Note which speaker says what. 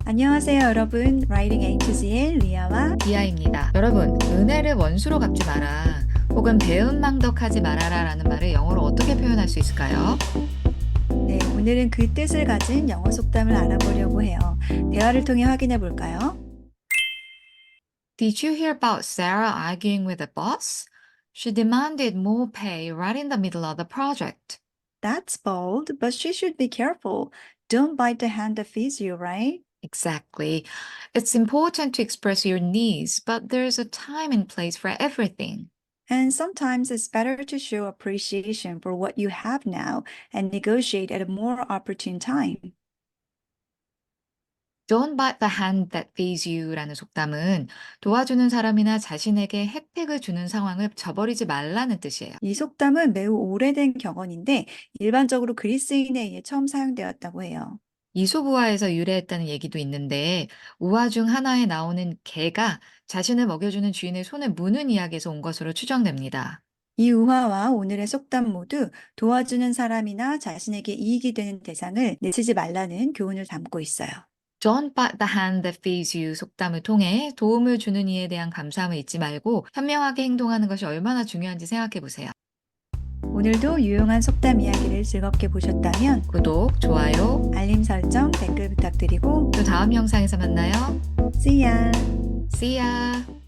Speaker 1: 안녕하세요, 여러분. Writing A to Z의 리아와
Speaker 2: 디아입니다. 여러분, 은혜를 원수로 갚지 마라. 혹은 배은망덕하지 말아라 라는 말을 영어로 어떻게 표현할 수 있을까요?
Speaker 1: 오늘은 그 뜻을 가진 영어 속담을 알아보려고 해요. 대화를 통해 확인해 볼까요?
Speaker 2: Did you hear about Sarah arguing with the boss? She demanded more pay right in the middle of the project.
Speaker 1: That's bold, but she should be careful. Don't bite the hand that feeds you, right?
Speaker 2: Exactly. It's important to express your needs, but there's a time and place for everything.
Speaker 1: And sometimes it's better to show appreciation for what you have now and negotiate at a more opportune time.
Speaker 2: Don't bite the hand that feeds you 라는 속담은 도와주는 사람이나 자신에게 혜택을 주는 상황을 저버리지 말라는 뜻이에요.
Speaker 1: 이 속담은 매우 오래된 격언인데 일반적으로 그리스인에 의해 처음 사용되었다고 해요.
Speaker 2: 이솝우화에서 유래했다는 얘기도 있는데 우화 중 하나에 나오는 개가 자신을 먹여주는 주인의 손을 무는 이야기에서 온 것으로 추정됩니다.
Speaker 1: 이 우화와 오늘의 속담 모두 도와주는 사람이나 자신에게 이익이 되는 대상을 내치지 말라는 교훈을 담고 있어요.
Speaker 2: Don't bite the hand that feeds you 속담을 통해 도움을 주는 이에 대한 감사함을 잊지 말고 현명하게 행동하는 것이 얼마나 중요한지 생각해 보세요.
Speaker 1: 오늘도 유용한 속담 이야기를 즐겁게 보셨다면
Speaker 2: 구독, 좋아요,
Speaker 1: 알림 설정, 댓글 부탁드리고
Speaker 2: 또 다음 영상에서 만나요.
Speaker 1: See ya!
Speaker 2: See ya!